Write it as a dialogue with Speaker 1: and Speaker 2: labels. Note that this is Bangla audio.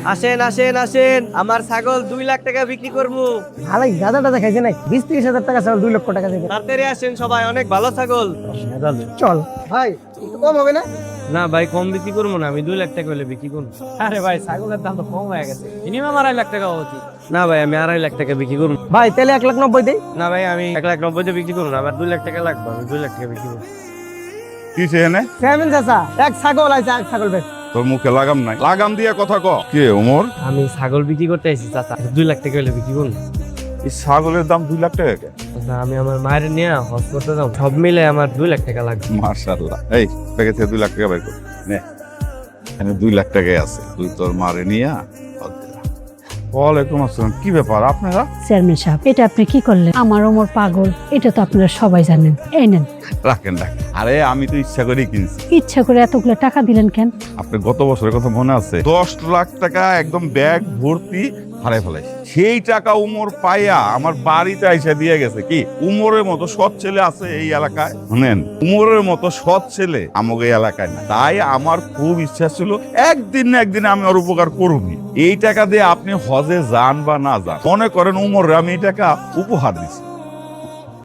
Speaker 1: আসেন আসেন আসেন, আমার ছাগল 2 লাখ টাকা বিক্রি করবো।
Speaker 2: আলাই গাদা টাদা খাইছে নাই 20-30 হাজার টাকা ছাগল 2 লক্ষ টাকা দেবে।
Speaker 1: তাড়াতাড়ি আসেন সবাই, অনেক ভালো ছাগল।
Speaker 2: চল ভাই, একটু কম হবে না?
Speaker 1: না ভাই, কম বিক্রি করবো না, আমি 2 লাখ টাকা হলে বিক্রি করবো।
Speaker 3: আরে ভাই ছাগলের দাম তো কম হয়ে গেছে, মিনিমাম 2.5 লাখ টাকা উচিত।
Speaker 1: না ভাই, আমি 2.5 লাখ টাকা বিক্রি করবো।
Speaker 2: ভাই তাহলে 1,90,000 দেই।
Speaker 1: না ভাই, আমি 1,90,000 বিক্রি করবো না, আমার 2 লাখ টাকা লাগবে, আমি 2 লাখ টাকা বিক্রি করবো।
Speaker 4: কি সেখানে
Speaker 2: চেয়ারম্যান চাচা, এক ছাগল আছে, এক ছাগল বেশ।
Speaker 4: তোর মুখে লাগাম নাই, লাগাম দিয়ে কথা ক। কে ওমর?
Speaker 1: আমি ছাগল বিক্রি করতে আইছি চাচা, 2 লাখ টাকা হলে বিক্রি করবো।
Speaker 4: এই ছাগলের দাম 2 লাখ টাকা কেন?
Speaker 1: চাচা, আমি আমার মায়ের নিয়ে হজ করতে যাবো, সব মিলে আমার 2 লাখ টাকা লাগবে।
Speaker 4: মাশাআল্লাহ। এই প্যাকেট থেকে 2 লাখ টাকা বের কর নে। এখানে 2 লাখ টাকাই আছে, তুই তোর মারে নিয়া। ওয়ালাইকুম আসসালাম। কি ব্যাপার আপনারা?
Speaker 5: চেয়ারম্যান সাহেব, এটা আপনি কি করলেন? আমার ওমর পাগল, এটা তো আপনারা সবাই জানেন। এই নেন।
Speaker 4: রাখেন রাখেন। আরে আমি তো ইচ্ছা করেই কিনছি।
Speaker 5: ইচ্ছা করে এতগুলো টাকা দিলেন কেন?
Speaker 4: আপনি গত বছরের কথা মনে আছে? 10 লাখ টাকা একদম ব্যাগ ভর্তি হারাই ফেলাইছি। সেই টাকা উমর পাইয়া আমার বাড়িতে আইসা দিয়ে গেছে। কি উমরের মতো সৎ ছেলে আছে এই এলাকায়? শুনেন, উমরের মতো সৎ ছেলে আমাকে এই এলাকায় না। তাই আমার খুব ইচ্ছা ছিল একদিন না একদিন আমি ওর উপকার করবি। এই টাকা দিয়ে আপনি হজে যান বা না যান, মনে করেন উমরে আমি এই টাকা উপহার দিচ্ছি।